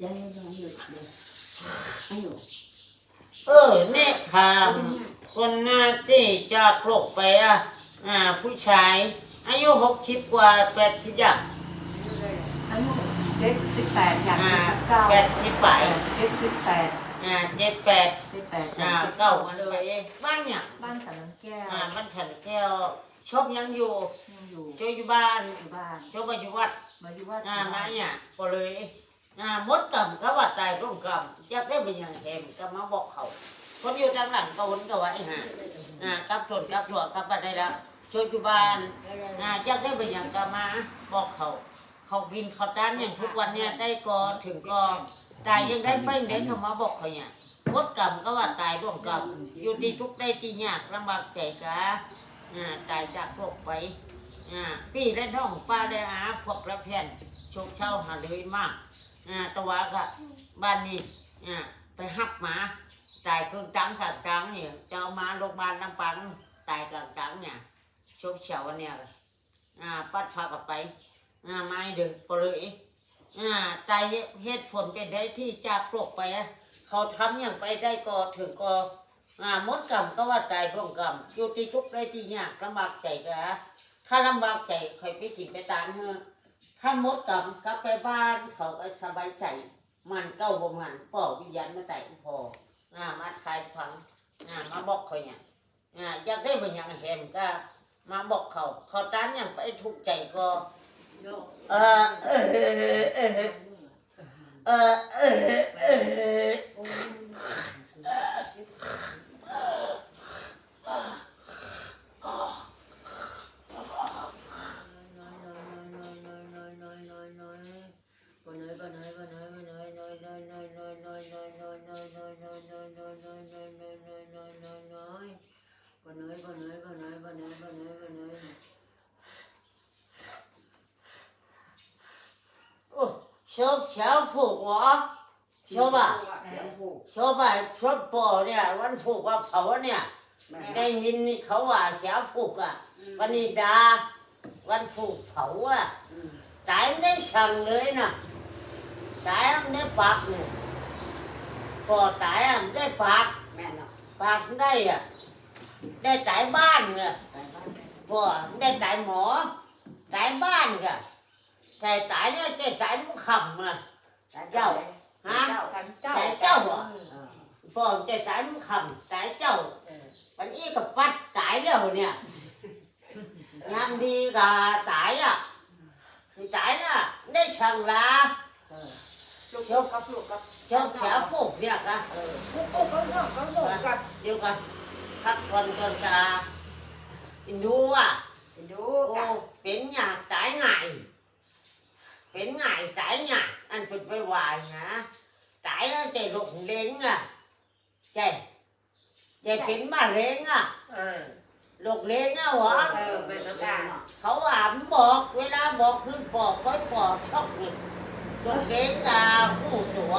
giờ rồi anh hiểu เนี่ยถามคนหน้าที่จากโลกไปผู้ชายอายุ60 กว่า80อย่าง anh chết xịt tẹt nhặt cao 80 ไป chết xịt tẹt 78 xịt tẹt เก้ามาเลยบ้านเนี่ย ban sản lớn keo บ้านฉันแก้วชอบยังอยู่อยู่ช่วยอยู่บ้านอยู่บ้านชอบมาอยู่วัดมาอยู่วัดมาเนี่ยก็เลยมดกำเขาว่าตายร่วมกำอยากได้เป็นอย่างแหมก็มาบอกเขาคนอยู่ทางหลังก็วนก็ไว้กลับชนกลับถั่วกลับมาได้แล้วช่วยอยู่บ้านอยากได้เป็นอย่างก็มาบอกเขากินเขาต้านอย่างทุกวันเนี่ยได้ก็ถึงก็ตายยังได้ไปเน้นเขามาบอกเขาเนี่ยมดกำก็ว่าตายร่วมกำอยู่ที่ทุกได้ที่ยากลำบากใจกะตายจากโรคไปพี่และน้องป้าได้พวกละแผ่นโชคเช่าหาเลยมากตะวากะบ้านนี้ไปหักหมาตายกลางตังกลางตังเนี่ยเจ้ามาโรงพยาบาลลำปางตายกลางตังเนี่ยโชคเช่าเนี่ยปัดพากับไปไม่เดือดปเลยตายเหตุฝนเป็นได้ที่จากโรคไปเขาทำอย่างไปได้ก็ถึงก็มดกรรมก็ว่าตายร่วมกรรมอยู่ที่ทุกข์ได้ที่ยากลำบากใจกะถ้าลำบากใจคอยไปกินไปตานเถอะถ้ามดกรรมกลับไปบ้านเขาก็สบายใจมันเก้าบ่มันป่อวิญญาณมาแต่พอมาขายฝังมาบอกเขาเนี่ยอยากได้เป็นอย่างแหมก็มาบอกเขาตานอย่างไปถูกใจก็ชอบเช้าผูกวะชอบชอบปอเนี่ยวันผูกว่าเผาเนี่ยได้ยินเขาว่าเช้าผูกวันนี้ดาวันผูกเผาตายไม่ได้สั่งเลยนะตายไม่ได้ปากเนี่ยพอตายไม่ได้ปากปากได้ได้ตายบ้านเนี่ยพอได้ตายหมอตายบ้านกะแต่ตายเนี่ยจะตายมุขคำเจ้าแต่เจ้าพอจะตายมุขคำตายเจ้าวันนี้กับปัดตายแล้วเนี่ยยามดีกับตายตายน่ะได้สั่งลาชอบเสียฟูกเนี่ยนะเดี๋ยวกันพักผ่อนก่อนจะดูเป็นอย่างตายง่ายเป็นง่ายตายยากอันเป็นไปวายนะตายแล้วใจหลงเล้งใจเป็นมะเร็งหลงเล้งวะเขาบอกเวลาบอกขึ้นปอกค่อยปอกชอบอีกหลงเล้งหูตัว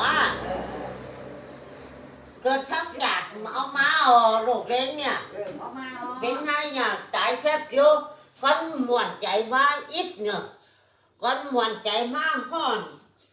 เกิดช้ำจัดเอามาหลงเล้งเนี่ยเป็นไงอย่างตายแฟบโยcon muộn chạy má ít nữa con muộn chạy má hòn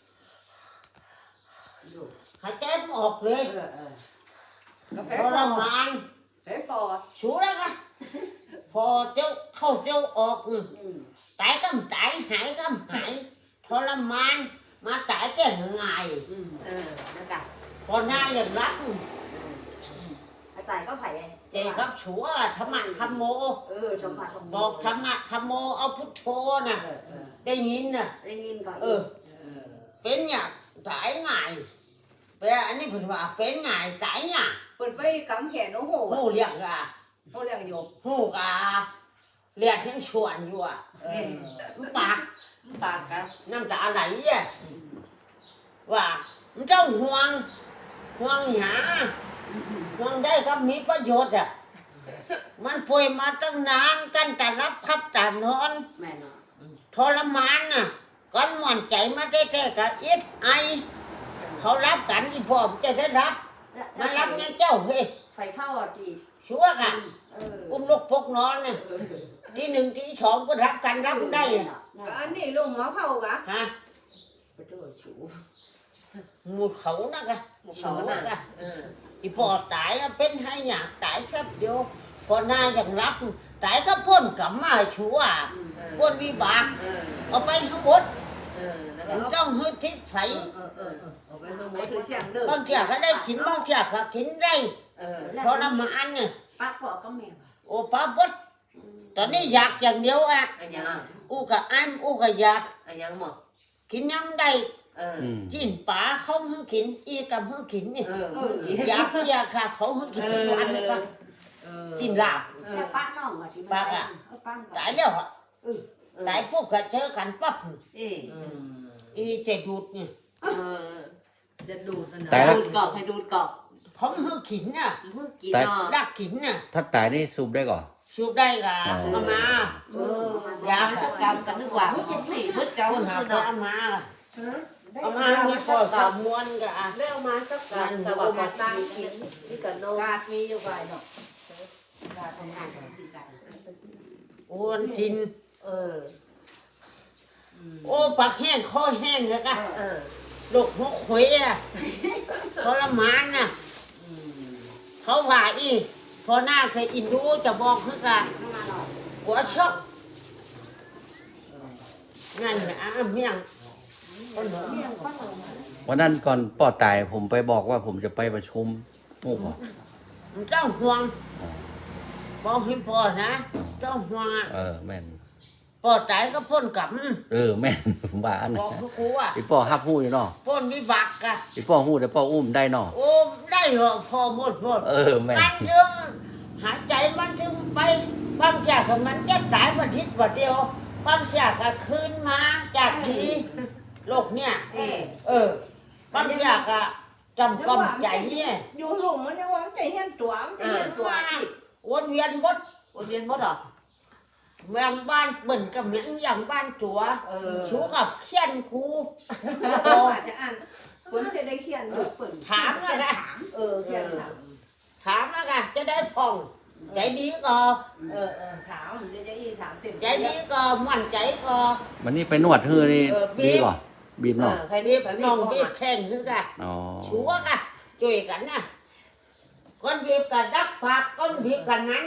hãy chết một đi cho làm ăn chú đó á phò châu khâu châu ọc tải cắm tải hải cắm hải cho làm ăn mà tải cái ngày còn hai lần lắm อาจารย์ก็ไผ่เจครับชัวธรรมะธรรมโมบอกธรรมะธรรมโมเอาพุทโธน่ะได้ยินน่ะก่อนเป็นอย่างตายง่ายเป็นอันนี้ผมว่าเป็นง่ายตายเนี่ยเปิดไปกำแขนโอ้โหเรียกอยู่เรียกทั้งชวนอยู่ปากกันน้ำตาไหลว่ามันเจ้าห่วงหาห่วงได้ก็มีประโยชน์มันป่วยมาตั้งนานกันแต่รับขับแต่นอนทรมานก้อนหม่อนใจมาแท้ๆกับอิดไอเขารับกันอีพ่อจะได้รับมันรับงั้นเจ้าเฮ้ยไฟเผาจีชัวกันอุ้มลูกพกนอนที่1ที่2ก็รับกันรับได้อันนี้ลุงหมอเผากะฮะหมู่เขานะกะหมู่เขาน่ะกะเอออีปอตายอะเป็นให้หยาบตายแป๊บเดียวพอหน้าอย่างรับตายก็พ้นกลับมาชัวพ้นวิบากเออเอาไปทั้งหมดแล้วก็ต้องฮึดทิศไผเอาไปทั้งหมดคือเสียงเด้อบางเที่ยเขาได้ขินบางเที่ยเขาขินได้เออทรมานเนี่ยปักบอกก็แม่โอ้ป้าบดตอนนี้อยากอย่างเดียวอ่ะอันยังอู้กับอ้ำอู้กับอยากอันยังหมดกินยังได้เออจิ้นป๋าเขาให้กินอีกับให้กินนี่เอออยากค่ะเขาให้กินทุกวันเลยก็จิ้นลาบแต่ป้าน้องอ่ะที่ป้าป้าตายแล้วอ่ะตายพวกก็เจอกันปั๊บเอ๊ะอีจะดูดนี่เออจะดูดแต่ละดูดกรอกให้ดูดกรอกเขาให้กินน่ะเพิ่งกินเนาะรักกินน่ะถ้าตายนี่สูบได้ก่อนชูได้กับเอามาเออยาสักกรรมกันนึกว่าสี่มืดเจ้าเอาหาคือไปเนาะเอามามีพอสามมวนกับไม่เอามาสักกรรมแต่ว่าการตั้งกินที่กันโนกาดมีอยู่ไว้เนาะกาดทำงานสิกันโอนจินเออโอ้ปากแห้งคอแห้งแล้วก็เออลูกหัวขวยอ่ะทรมานน่ะเขาว่าอีพอหน้าเคยอินดูจะบอกคือกันหัวช็อกนั่นนะเมี่ยงคนหัวเมี่ยงวันนั้นก่อนปอตายผมไปบอกว่าผมจะไปประชุมหมู่บอกมันต้องห่วงบอกให้พ่อนะต้องห่วงอ่ะแม่นพ่อตายก็พ้นกรรมแม่น ผมว่าอันบอกครูอ่ะอีป้อฮับหู้อยู่เนาะพ้นวิบากอ่ะอีป้อหู้แต่ป้ออุ้มได้เนาะโอ้ได้เหรอพอหมดแม่นมันถึงหายใจมันถึงไปบางจากมันจะตายวันทิศวันเดียวบางจากก็คืนมาจากทีโลกเนี่ยเอ๊ะบางจากก็จำกำใจเนี่ยอยู่หลุมมันยังว่ามันใจเฮียนตัวมันใจเฮียนตัววนเวียนบดวนเวียนหมดเหรอเมืองบ้านเบิ่นกับเหมือนอย่างบ้านจัวเออชูกับเขียนครูอาจจะอ่านคนจะได้เขียนอยู่เปิดถามนะเขียนถามถามนะค่ะจะได้พองใจดีก็ถามจะอีถามเต็มใจดีก็มั่นใจก็วันนี้ไปนวดฮือนี่บีบดีก่อนบีบเนาะใครบีรีบบ น้องบีบแข่งคือกะอ๋อชัวกะช่วยกันนะคนบีบกันดักปากคนบีบกันนั้น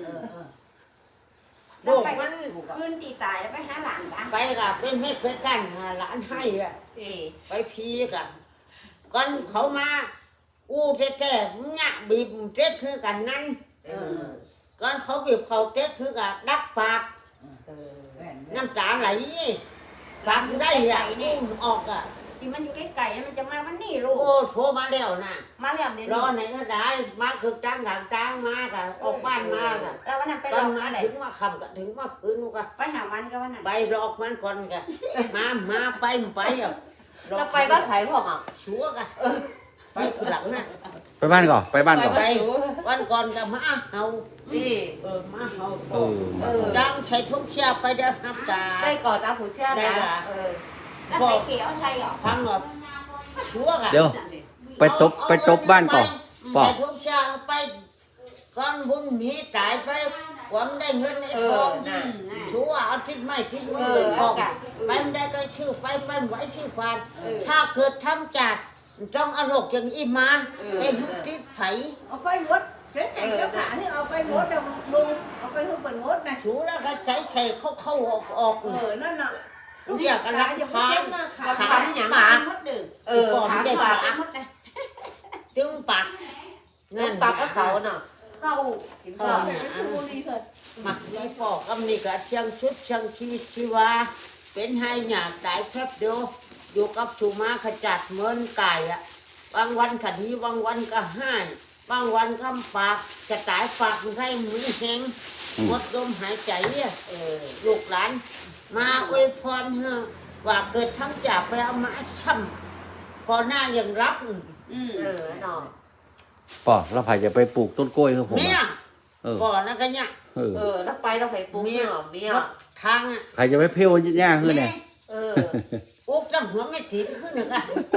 โลกมันขึ้นตีตายแล้วไปหาหลานกันไปกับเป็นเม็ดเป็นกันหาหลานให้อะเอ๊ะไปพีกันก่อนเขามาอู้แท้ๆเนี่ยบีบเจ๊คือกันนั้นเออก่อนเขาบีบเขาเจ๊คือกันดักปากเออน้ำตาไหลปากได้อะอุ้มออกอะที่มันอยู่ใกล้ๆมันจะมาวันนี้ลูกโอ้โทรมาแล้วนะมาแล้วเดี๋ยวรอไหนก็ได้มาคือจ้างหางจ้างมากะออกบ้านมากะแล้ววันนั้นไปตรออนมาอะไรถึงมาคำก็ถึงมาคืนก็ไปหามันก็วันนั้นไปหลอกมันก่อนกะมาไปอ่ะจะไปบ้านไผ่พ่ออ่ะชัวกะไปคือหลังน่ะไปบ้านก่อนไปบ้านก่อนไปวันก่อนก็มาเฮานี่มาเฮามาจ้างใช้ทุ่งเชียไปเด้อนับตาได้ก่อนตาผู้เชี่ยวนะเออแล้วไปเกี่ยวใส่หรอพังหรอชัวกะเดี๋ยวไปตบบ้านก่อนป่อใช้ทุ่งเชียไปก่อนบุญมีตายไปความได้เงินในเอทอองน่ะชัวเอาทิศไม่ทิศมือเป็นของไปไม่ได้ก็ชื่อไปไหวชื่อฟานถ้าเกิดทำจัดจ้องอารมณ์อย่างอีมาเป็นทิศไผเอาไปหมดเห็นแต่เจ้าขานี่เอาไปหมดเดี๋ยวลุงเอาไปทุกคนหมดนะชูแล้วก็ใช้ใช้เข้าออกนั่นน่ะลูกอยากกันรักอย่าพาเจ็นบนะขาถามปากหมดดึกเออถามปากหมดนะจึงปากนั่นปากก็เขาเนาะเข้าเข้าไปเป็นบุรีเถิดมักมีปอกกำนี่ก็เชียงชุดเชียงชีวิตชีวาเป็นให้หยาดตายแป๊บเดียวอยู่กับสุมาขจัดเหมือนไก่อะบางวันคดีบางวันก็ให้บางวันก็ปากจะตายปากให้มือแห้งหมดลมหายใจเนี่ยลูกหลานมาอวยพรเฮะว่าเกิดทั้งจากไปเอามาช้ำพอหน้ายังรับเนาะป่อแล้วไผ่จะไปปลูกต้นกล้วยคือผมเนี่ยอะก่อนนะกันเนี่ยแล้วไปเราไปปุ๊บเนาะเมียทางอ่ะใครจะไปเพี้ยวหญ้าคือเนี่ยเออปุ๊บจังหัวไม่ถีบขึ้นหนึ่งอ่ะ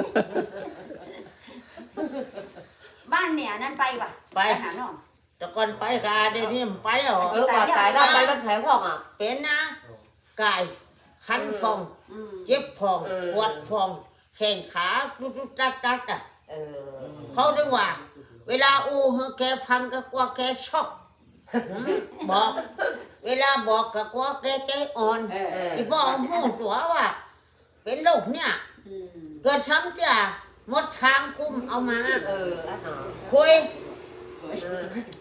บ้านเนี่ยนั่นไปป่ะไปหาน้องแต่ก่อนไปกาเดี๋ยวนี้มันไปหรอก่อนตายเราไปบ้านไผ่พ่ออ่ะเป็นนะกายคันฟองเจ็บฟองปวดฟองแข่งขาตุ๊ดตัดอ่ะเออเขาเรียกว่า เวลาอู้เฮอแกพังก็กลัวแกช็อกบอก เวลาบอกก็กลัวแกใจอ่อนเอออีบอกหูตัวว่า เป็นโรคเนี่ยเกิดช้ำจ้ะมดช้างคุ้มเอามาเอออ่ะหนอคุยเออ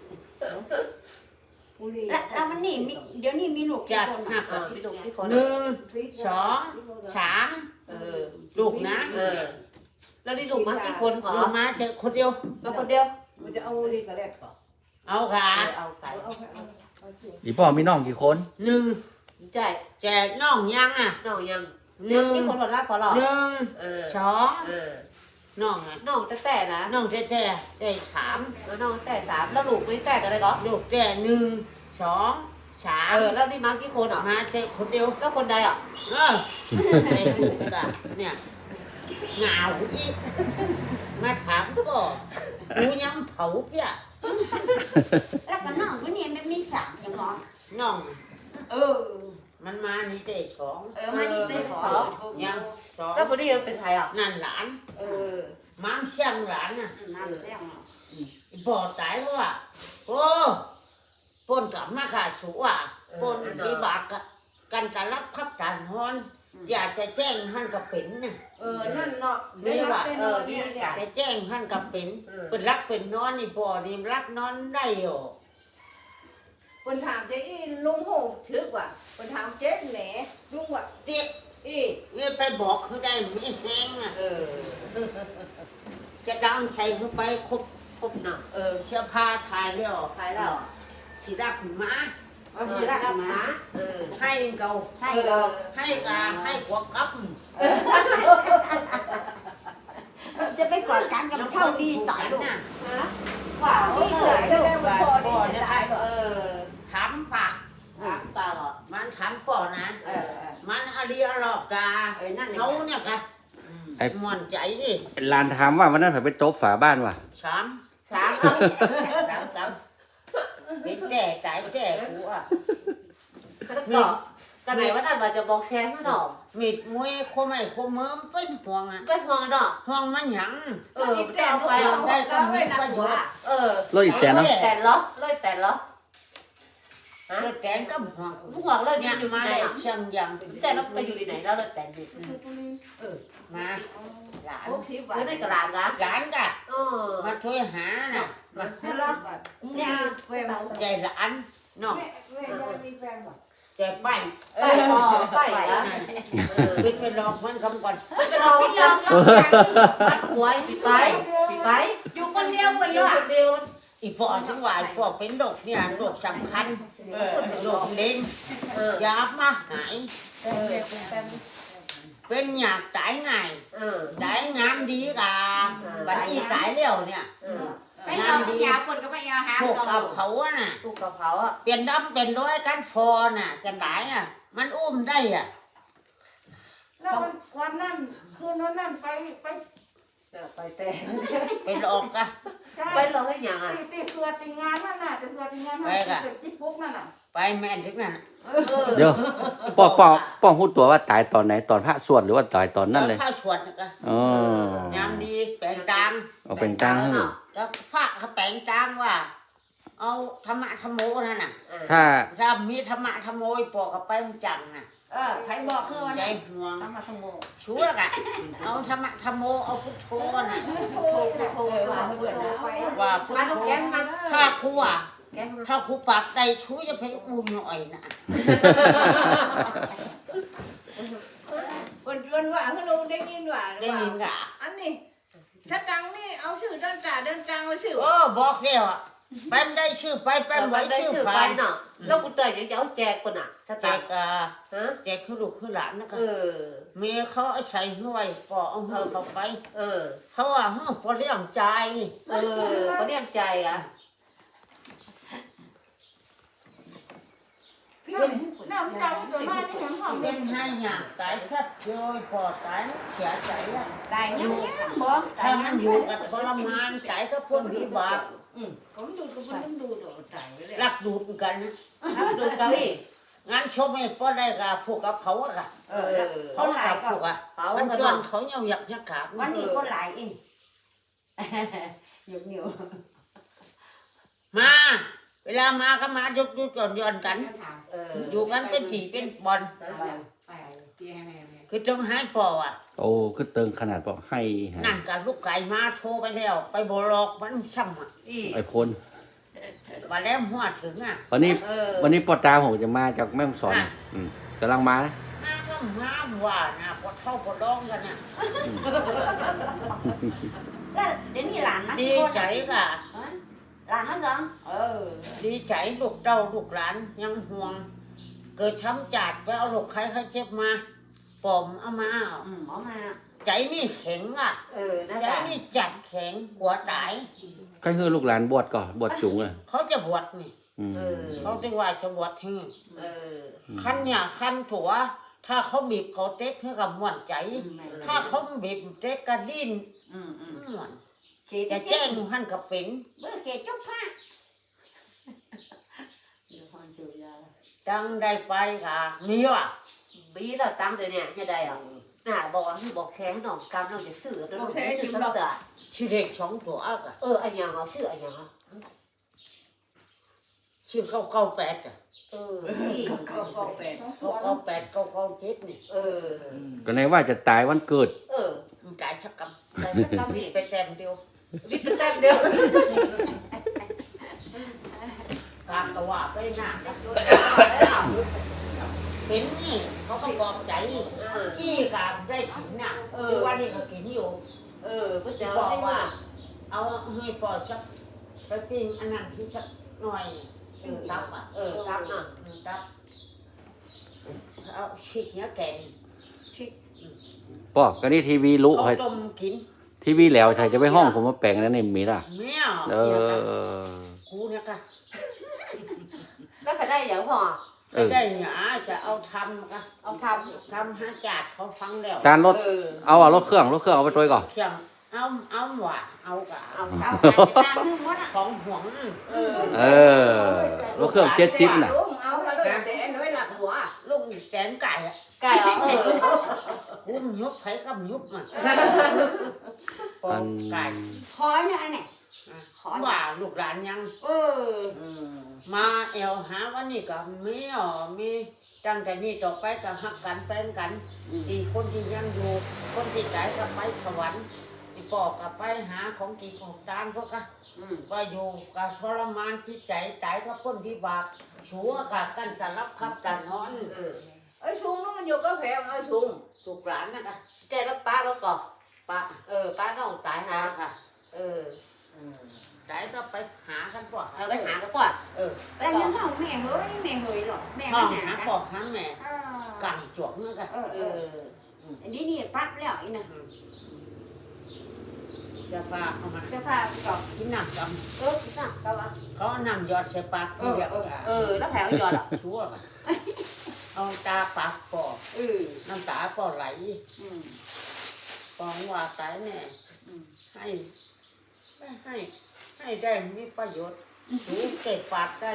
บุหรี่แล้วมันนี่เดี๋ยวนี้มีลูกจัดคนหักเออพี่ลูกพี่คนหนึ่งสองสามเออลูกนะเออ แล้วนี่ลูกมากี่คนขอลูกมาเจอคนเดียวมาคนเดียวมันจะเอาบุหรี่กับแรกก่อนเอาขาเอาไก่เอาสิอีพ่อมีน้องกี่คนหนึ่งใช่แจกน้องยังอ่ะน้องยังหนึ่งกี่คนหมดละพอหรอหนึ่งเออสองเออน้องอ่ะน้องแต่นะน้องแท้ได้สามแล้วน้องแต่สามแล้วลูกไม่แต่กันเลยก็ลูกแท้หนึ่งสองสามเออแล้วนี่มากี่คนอ่ะมาเจอคนเดียวก็คนใดอ่ะเออไอ้ลูกอะเนี่ยเหงาอีกมาถามก็กูย้ำเผาเจ้ะแล้วก็น้องคนนี้มันมีสามจังหรอน้องเออมันมานี่ได้สองมานี่ได้สองยังสองแล้วคนนี้เป็นใครอ่ะนั่นหลานเออม้ามเชียงหลานน่ะน้ำเสียงบ่ตายเพราะว่าโอ้ปนกลับมาขาดสูอ่ะปนปีบากะกันตะรับขับจานฮอนอยากจะแจ้งท่านกับเป็นน่ะนั่นเนาะได้รับได้นอนนี่เนี่ยจะแจ้งท่านกับเป็นเป็นรับเป็นนอนนี่พอนี่รับนอนได้หรอคนถามเจ๊อีลุงโหทึกว่ะคนถามเจ๊แหนลุงว่ะเจ็บอีนี่ไปบอกเขาได้ไม่แห้งอ่ะเออจะดังใช้เข้าไปครบพบหนักเสื้อผ้าถ่ายแล้วใครแล้วที่รักมาเอาทีละมาเออให้เกาให้เราให้กาให้ขวบกับจะไปกอดกันกับเท่าดีต่อยลูกน่ะฮะว้าวนี่เกิดได้แล้วพอนี่จะตายก่อนเออถามปากตาเหรอมันถามป่อนะ มันอริยรอบกานั่นเขาเนี่ยค่ะไอ้ม่วนใจดิหลานถามว่าวันนั้นผมไปโต๊ะฝาบ้านว่ะสามสามเป็นแต่ใจแต่กูอ่ะแล้วก็กันไหนว่านั่นว่าจะบอกแชร์ให้หนอมีดมวยโคไม่โคเมิมเป็นห่วงอ่ะเป็นมองหนอห่วงมันหยังเออจะเอาไปได้ก็มีประโยชน์เออรถอีแตนเนาะแต่เหรอเลยแต่เหรอฮะรถแกนก็ห่วงมึงหวังเลยเนี่ยอยู่มาที่ไหนได้อ่ะเชียงยังแต่เราไปอยู่ที่ไหนแล้วเลยแต่อยู่มาหลาน 60 บาทไม่ได้กระลางกะหลานกะเออมาช่วยหาน่ะมาให้รับบัตรเนี่ยแฟนใจหลานน้องแม่ยังมีแฟนบ่ใจไปไปพอไปนะขึ้นไปลองมันคำก่อนไปลองลองมัดหัวปิดไปปิดไปอยู่คนเดียวคนอเดียยู่วคนเดียวอีพอจังหวะพวกเป็นโรคเนี่ยโรคสำคัญโรคเล็งเออยามาหายเออเป็นอยากตายง่ายเออตายงามดีกะบัดนี้ตายแล้วเนี่ยเออไปเอาที่ยาวคนก็ไปเอาหาพวกตัวกับเขาอะน่ะตู้กระเพราอ่ะเปลี่ยนดำเป็นร้อยกันฟอน่ะจะตายอ่ะ มันอุ้มได้อ่ะแล้ววันนั้นคืนนั้นไปไปแต่ไปหลอกกะไปลองให้ยังอ่ะไปสวดงานนั่นน่ะไปสวดงานนั่นที่ปุ๊กนั่นน่ะไปแม่นถึงนั่นเดี๋ยวป้อพูดตัวว่าตายตอนไหนตอนพระสวดหรือว่าตายตอนนั้นเลยข้าวสวดนะกะอ๋อยามดีแปลงตางเอาเป็นตังค์ให้ก็พระเขาแปลงตางว่า เอาธรรมะธรรมโมนั่นน่ะถ้าถ้ามีธรรมะธรรมโมปอกกับไปมันจังน่ะใครบอกคือวันใจนั้นห่วงทำมาสมบูรณ์ชัวร์กะเอาธรรมะธรรมโมเอาพุทโธน่ะโทรไปว่าพุทมาโธทุกแกงมาถ้าครูอ่ะแกงถ้าครูปากใดช่วยจะไปอุ้มหน่อยนะวันว่าคือลุงได้ยินว่าได้ยินกะอันนี้ถ้าตังนี่เอาชื่อเดินกลางมาชื่อโอ้บอกเดียวอ่ะแป๊มได้ชื่อไปแป๊มไปไว้ได้ชื่อชื่อไปไปเนาะแล้วกูเตยยังจะเอาแจกคนอ่ะสแจตาร์กฮะแจกคือลูกคือหลานนะเอคะอเมียเขาเอาใส่ห้วยปอเอาห้วยเข้าไปเออเขาว่าเฮ้ยพอเลี้ยงใจเออเขาเรียกใจอ่ะน้ำใจตัวมาที่เห็นของเป็นให้หยาบตายแค่โยยปอตายเสียใจอ่ะตายยังบอกถ้ามันอยู่กับทรมานใจก็พ้นวิบากผมดูก็มันดูตัวใจเลยรักดูดกันนะครับดูเก้าอี้งานชมให้พอได้กับพวกกับเขาอะค่ะเออเขากับพวกอะเขามันกันจบ่นเขาเหี่ยวหยักยักขาบวันนี้คนหลายอีกหยุดเหนียวมา เวลามาก็มายุบจนย้อนกัน อยู่กันเป็นจีเป็นบอลไปที่ให้แม่คือต้องให้ปออ่ะโอ้คือเติงขนาดบอกให้ฮะนั่นกับลูกไก่มาโทรไปแล้ว ไปบลอกมันช่ำอ่ะอีไอ้พลว่าแล้วหัวถึงอ่ะวันนี้เออวันนี้ปอตาผมจะมาจากแม่ฮ่องสอนอ่ะกำลังมานะมาก็มาว่านะพอเท่าพอร้องกันน่ะแล้วเดี๋ยวนี้หลานนะดีใจค่ะหลานนะสองดีใจลูกเต้าลูกหลานยังห่วง เกิดช้ำจัดไปเอาลูกใครเขาเจ็บมาปอมเอามาหมอมาใจนี่แข็งอ่ะน่าใจจะนี่จัดแข็งหัวตายก็คือลูกหลานบวชก่อนบวชจุงอ่ะเขาจะบวชนี่อืมเขาเรียกว่าจะบวชที่มคันเนี่ยคันถั่วถ้าเขาบีบเขาเต็กให้กับม่วนใจ ถ้าเขาบีบเต็กกระดิ้นม่วนเกจะแจ้งหันกับเป็นเมื่อเกจบผ้าเดี๋ยวคนเชียวยาจังได้ไปค่ะมีว่ะบีเราตั้งแต่เนี่ยจะได้อ่ะน่ะบอกว่าบอกแข้งน้องกำน้องจะซื้อแล้วน้องจะซื้อสักตัวชื่อเด็กสองตัวอ่ะอันยังเอาซื้ออันยังอ่ะชื่อเข้าแปดอ่ะนี่ก็แปดเข้าแปดเข้าเจ็ดนี่ก็ในว่าจะตายวันเกิดมันจ่ายชักกแต่สักกำำนี่ไปแต้มเดียววิทย์แต้มเดียวกลางกะว่าไปหน้าเป็นนี่เขาก็กอบใจอี้กามได้ขินน่ะทุกวันนี้ก็กินอยู่ก็จะบอกได้ว่าว่าเอาให้ปอชักไปปิ้งอันนั้นที่ชักหน่อยตับอ่ะครับน่ะตับเอาชิกเนี้ยแกงชิกปอกก็นี่ทีวีลุเขาให้ต้มกินทีวีแล้วใครจะไปห้องผมมาแปลงนั้นนี่มีล่ะแมวเอเนี่ยค่ะอกูเนี่ยค่ะแล้วใครได้อย่างพอไม่ได้หยาจะเอาทำค่ะเอาททำห้าจาดเขาฟังแล้วจานรถำเอารถเครื่องเอาไปตัวก่อนเพียงเอาหว่าเอากะเอาเอาเอาตามมือมดอ่ะของห่วงเออรถเครื่อง70น่ะลุงเอามาเลยแต่น้อยหลักหัวลูกแสนไก่อะไก่เหรอกูมยุบไผกับยุบมันปออันไก่ขอเนี่ยอันเนี่ยขอว่าลูกหลานยัง มาเอวหาวันนี้ก็มีมีตั้งแต่นี้ต่อไปก็ฮักกันแป้งกันดีคนที่ยังอยู่คนที่ตายก็ไปสวรรค์ที่ปอกก็ไปหาของกินของทานพวกก็ว่าอยู่กับทรมานจิตใจตายก็พ้นวิบากชัวกับกันจะรับครับกันนอนไอ้ชุงนู้นมันอยู่ก็แพงไอ้ชุงลูกหลานนะคะใจแล้วป้าแล้วก็ป้าป้าน้องตายหาหาค่ะตายก็ไปหากันป่ะไปหาก็ก่อนแล้วยังห้องแม่เฮ้ยหรอแม่ห้ไม่องหาหาปอกหาแม่กันจวกนึกอะอันนี้นี่ปั๊บแล้วอีน่ะเสื้อผ้าเอามาเสื้อผ้าก็ที่นั่งจคิดหนักก็ว่าำเขานั่งยอดใส่ปากที่เดียวแล้วแผลหยอดอ่ะชั่วกันเอาตาปากปอกน้ำตาปอไหลปองว่าตายแน่ให้ได้มีประโยชน์รู้เก็บปากได้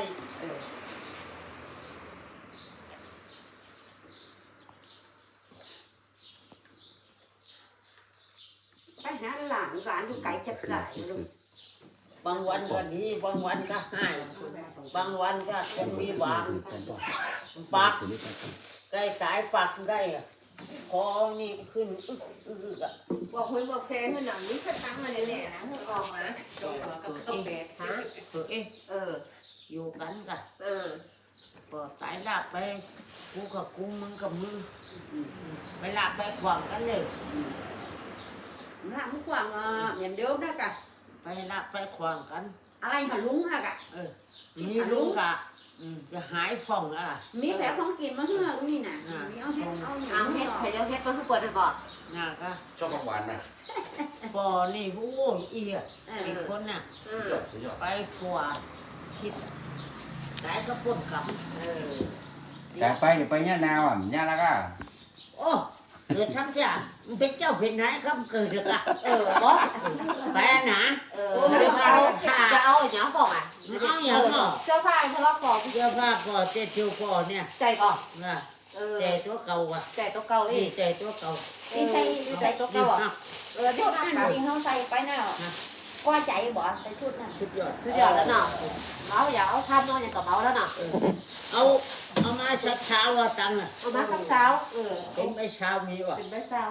ไปหาหลานอยู่ไกลจัดหลายลูกบางวันก็ดีบางวันก็ให้บางวันก็คงมีหวังปากใกล้สายปากได้อะคอนี่ขึ้นอะบอกคุยบอกแซนให้หนังนี้ถ้าตั้งมาแน่ๆนะให้ออกนะก็แปดฮะอยู่กันกะพอตายลากไปกูกับกูมึงกับมึงไปลากไปขวางกันเลยหลานกว่างอย่างเดิมนะกะไปลากไปขวางกันอะไรหาลุงฮะกะมีลุงกะจะหายฟ่องอ่ะมีแผลของกินมาเฮือกนี่น่ะมีเอาเฮ็ดเอาหเอายังเฮ็ดใครจะเฮ็ดมันคือปวดก่อนน่ะก็ชอบของหวานนะปอนี่ผู้โง่อีอ่ะอีกคนน่ะไปขวางชิดไหนก็ป่นกำแต่ไปเดี๋ยวไปเนี่ยนาวอ่ะเนี่ยแล้วก็โอ้เกิดทั้งจ้ะมันเป็นเจ้าเป็นนายคำเกิดเลยอะบอสไปนะจะเอาอย่างบอกอ่ะเอาอย่างเนาะเสื้อผ้าทะเลาะก่อนเสื้อผ้าปอเจ็ดชิวปอเนี่ยใจก่อนนะใจตัวเก่าว่ะใจตัวเก่าอีนี่กใจตัวเก่านี่ใส่ใจตัวเก่าอ่ะชุดนั้นที่เขาใส่ไปน่ะก็ใจบ่ใส่ชุดนั้นสุดยอดสุดยอดแล้วเนาะเมาอย่าเอาทำเนาะอย่างกับเมาแล้วเนาะเอามาเช้าว่าตังค์อ่ะเอามาสักเช้าเป็นไปเช้ามีว่ะเป็นใบเศร้า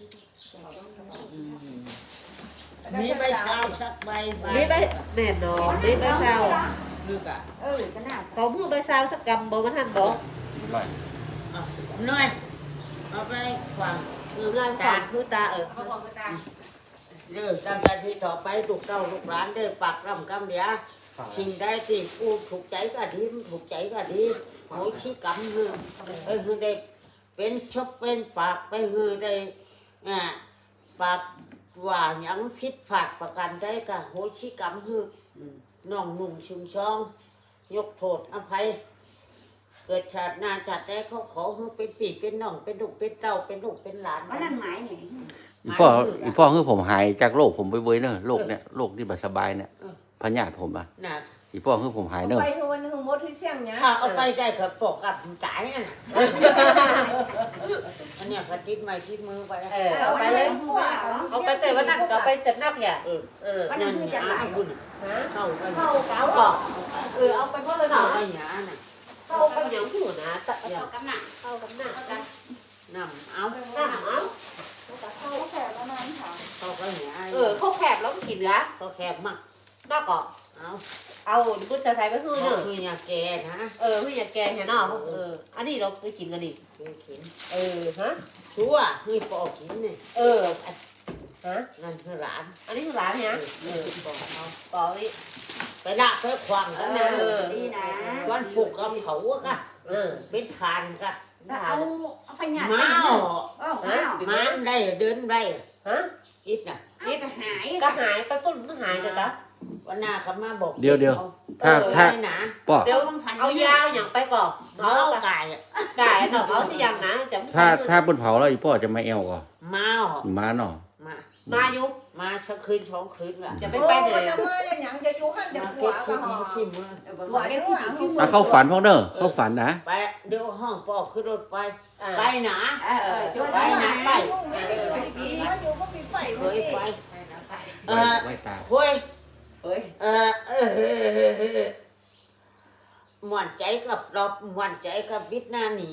มีใบเช้าชักใบมีใบแน่นอนมีใบเช้าลึกอ่ะก็น่าเขามือใบเช้าสักกำบ่มันทันบ่ร้อยน้อยเอาไปฟังงานฝากคือตาเขาบอกว่าตาเด้อตั้งแต่ที่ต่อไปลูกเต้าลูกหลานได้ปักรำกำเดียสิ่งใดที่กูถูกใจก็ดีถูกใจก็ดีโหชี้กำมือคือได้เป็นชบเป็นปากไปคือได้ปากว่าหยังผิดพลาดประกันได้ก็โหชี้กำคือน้องนุ่งชุมช่อง ยกโทษอภัย เกิดชาติหน้าชาติใดเขาขอให้เป็นปีเป็นน้องเป็นลูกเป็นเต้าเป็นลูกเป็นหลานว่านั่นหมายนี่อีพ่อคือผมหายจากโรคผมไปเว้ยเนอะโรคเนี่ยโรคที่แบบสบายเนี่ยพญาติผมอ่ะน่ะอีพ่อคือผมหายเนอะไปทุกวันนึงมดที่เสี่ยงเนี้ยถ้าเอาไปได้ก็ปกกับจ่ายนั่นน่ะอันเนี้ยก็ติดไม้ติดมือไปเอาไปเลยเอาไปแต่วันนั้นก็ไปจัดนักอย่านั่นเนี่ยอาบุญฮะเข้าไปเข้าเก้าก่อนเอาไปหมดเลยเข้าเนาะไปหยาน่ะเข้าไปอย่างหูนะตะเอากำหนักเข้ากับหน้ากันนำเอาหน้าเอาเขาแขกแล้วนั้นค่ะเข้าไปหยาเขาแคบแล้วกินเนื้อเขาแคบมากนอกก่อนเอาพุทธใส่ไปคือเขาเนอะคืออยาแกนะคืออย่างแกเห็นเนาะอันนี้เราไปกินกันดิคือเข็นฮะชัวคือปอกกินเนี่ยฮะนั่นคือหลานอันนี้คือร้านเนี่ยปอกเอาต่อนี่ไปละไปขวางกันนะดีนะวันฝุกกับเขาอะกะเป็นทานกะเอาไฟหยาดม้าม้าได้เดินได้ฮะคิดน่ะนี่ก็หายก็หายไปปุ๊บมันหายเดี๋ยวนะวันหน้าเขามาบอกเดี๋ยวถ้าไม่หนาพ่อเดี๋ยวเอายาวอย่างไปก่อนเมาเอาไก่อะได้เนาะเอาสิอย่างนะจะถ้าบนเผาแล้วอีพ่อจะไม่เอวก่อนเมาม้าเนาะมามาอยู่มาชักคืนสองคืนละจะโอ้ไปไปมันเลยจะมาอย่างหยังจะจูหันจะมาหัเก็วบก็คืนหอชิมมือหัวเดี๋ยวหางที่มืถ้าเข้าฝันพ่อเนอะเข้าฝันนะไปเดี๋ยวห้องปอกขึ้นรถไปไปหนาจุดไปไว้หนานะไปไม่ได้อยู่ที่กินมันอยู่ก็มีไฟเคมันยสิไปไว้ตาคุยเฮ้ยหม่วนใจกับเราหม่วนใจกับวิทย์หน้าหนี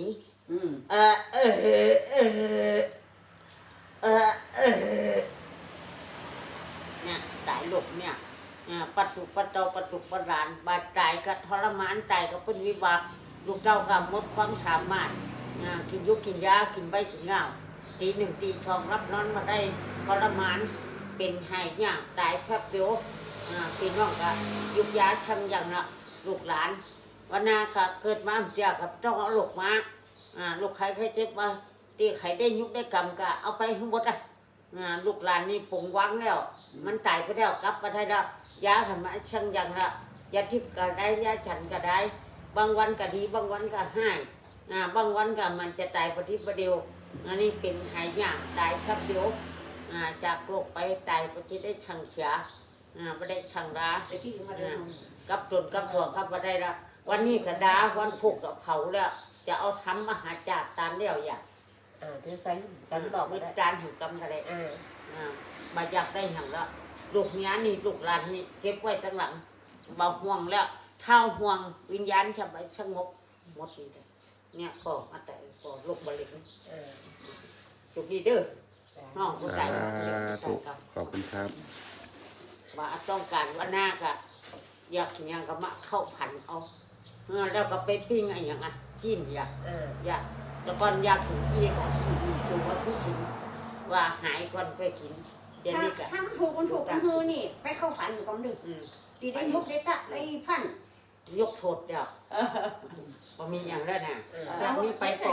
เนี่ยตายหลบเนี่ยปัจจุปัจเจ้าปัจจุปัจรานบาดตายก็ทรมานตายก็เป็นวิบากลูกเจ้าก็หมดความสามารถกินยุกกินยากินใบกินเงาตีหนึ่งตีช่องรับนอนมาได้ทรมานเป็นหายยากตายแป๊บเดียวพี่น้องก็ยุกยาชังอย่างละลูกหลานวันนาก็เกิดมาเจ้ากับต้องเอาลูกมาลูกใครเจ็บมาตีใครได้ยุกได้กรรมก็เอาไปทั้งหมดลูกหลานนี่ปงวังแล้วมันตายไปแล้วกลับมาได้แล้วยาหันมาช่างอย่างละยาทิพย์ก็ได้ยาฉันก็ได้บางวันก็ดีบางวันก็หายบางวันก็มันจะตายประทิประเดียวอันนี้เป็นหายยากตายครับเดียวจากโรคไปตายประทิได้ช่างเสียไม่ได้ช่างดาไอ้ที่มาเดินกับตนกับถั่วกับมาได้ละวันนี้ก็ดาวันพุกกับเขาแล้วจะเอาทำมหาจารย์ตามเดียวอย่างเดี๋ยวใส่กันบอกวิได้จารณ์แห่งกรรมอะไรมาอยากได้อย่างละลูกเนี้ยนี่ลูกหลานนี่เก็บไว้ตั้งหลังเบาห่วงแล้วเท่าห่วงวิญญาณจะไปสงบหมดนี่เลยเนี่ยก็มาแต่ก็ลูกบริเวณจุดนี้เด้อน้องผู้ใจถูกขอบคุณครับว่าต้องการว่าหน้าก็อยากอย่างก็มาเข้าผันเอาแล้วก็ไปปิ้งอะไรอย่างอ่ะจิ้นอยากแต่ก่อนอยากถึงที่ก่อนถูกว่าผู้ชินว่าหายก่อนไปกินเดี๋ยวนี้ก็ถ้าถูกมันถูกมันคือนี่ไปเข้าฝันก่อนดึกดีได้ยุบได้ตะได้พันยกโทษเดียวพอมีอย่างแล้วนะแบบนี้ไปปอก